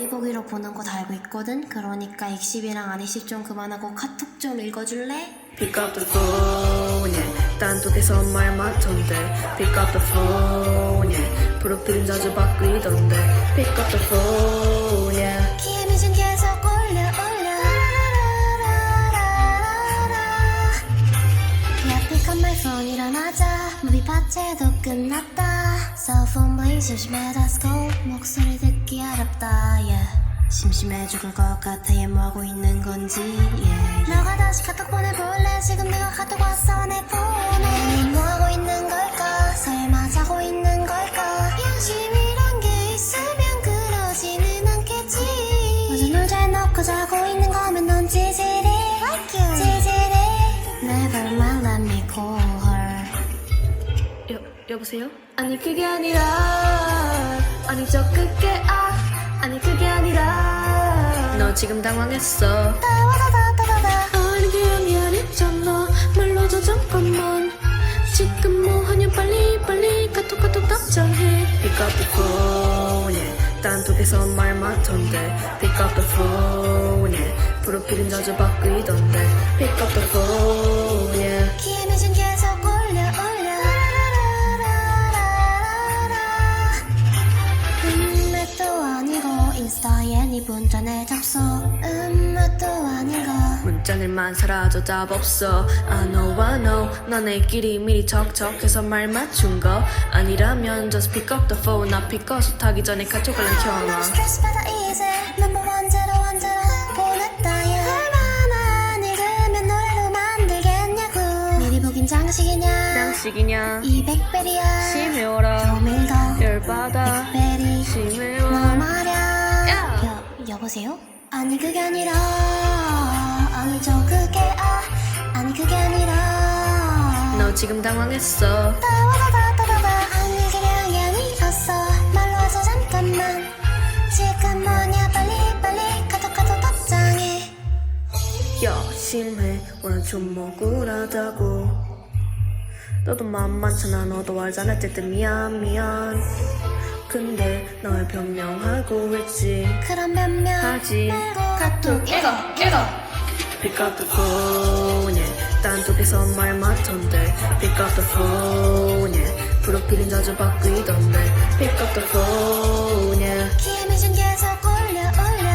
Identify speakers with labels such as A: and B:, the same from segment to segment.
A: 많이 보기로 보는 거 다 알고 있거든. 그러니까 익십이랑 안익십 좀 그만하고 카톡 좀 읽어줄래?
B: Pick up the phone, yeah. 단톡에서 말 많던데 Pick up the phone, yeah. 프로필은 자주 바뀌던데 Pick up the phone, yeah.
A: 키에미준 계속 올려 Yeah, pick up my phone 일어나자 무비 파채도 끝났다 Cellphone bling 심심해 let's go 목소리 듣기 어렵다 yeah. 심심해 죽을 것 같아 얘 뭐하고 있는 건지 yeah. 너가 다시 카톡 보내볼래 지금 내가 카톡 왔어 내 폰에 넌 뭐하고 있는 걸까 설마 자고 있는 걸까 양심이란 게 있으면 그러지는 않겠지 먼저 널 잘 넣고 자고 있는 거면 넌 찌질해 like you 찌질해 Never mind let me call her
B: 여보세요? 아니 그게 아니라 아니 저 그게 아니 그게 아니라 너 지금 당황했어 아니 그게 아니잖아 말로 저 잠깐만 지금 뭐하냐 빨리 카톡 답장해 Pick up the phone yeah. 단톡에서 말 많던데 Pick up the phone yeah. 프로필은 자주 바뀌던데 Pick up the phone yeah.
A: 키에미준 계속 올려 맷도 아니고 인스타에 네 문자내 접속 맷도 아니고
B: 문자들만 사라져 답 없어 I know 너네끼리 미리 척척해서 말 맞춘 거 아니라면 just pick up the phone 나 피커스 타기 전에 카톡을 켜놔
A: 난 스트레스 받아 이제 넘버 원제로 보냈다 야 얼마나 늙으면 노래로 만들겠냐고 미리 보긴 장식이냐 200배리야
B: 심해워라
A: 조밀 더
B: 열받아
A: 100배리 너
B: 심해워
A: 말야 여보세요? 아니 그게 아니라 아니 저 그게 아니 그게 아니라
B: 너 지금 당황했어
A: 아니 그냥이 아니었어 말로 해서 잠깐만 지금 뭐냐 빨리 카톡 답장해
B: 야 심해 오늘 좀 억울하다고 너도 만만찮아 너도 알잖아 어쨌든 미안 근데 널 변명하고 있지
A: 그런 변명
B: 하지
A: 말고
B: 카톡 읽어 Pick up the phone yeah. 단톡에서 말 많던데 Pick up the phone yeah. 프로필은 자주 바뀌던데 Pick up the phone yeah.
A: 키에미준 계속 올려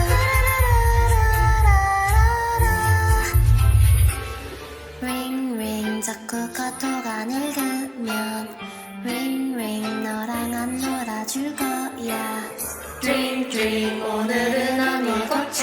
A: 링 자꾸 카톡 안 읽으면 링 너랑 안 놀아줄 거야
B: Dream 오늘은 안 읽었지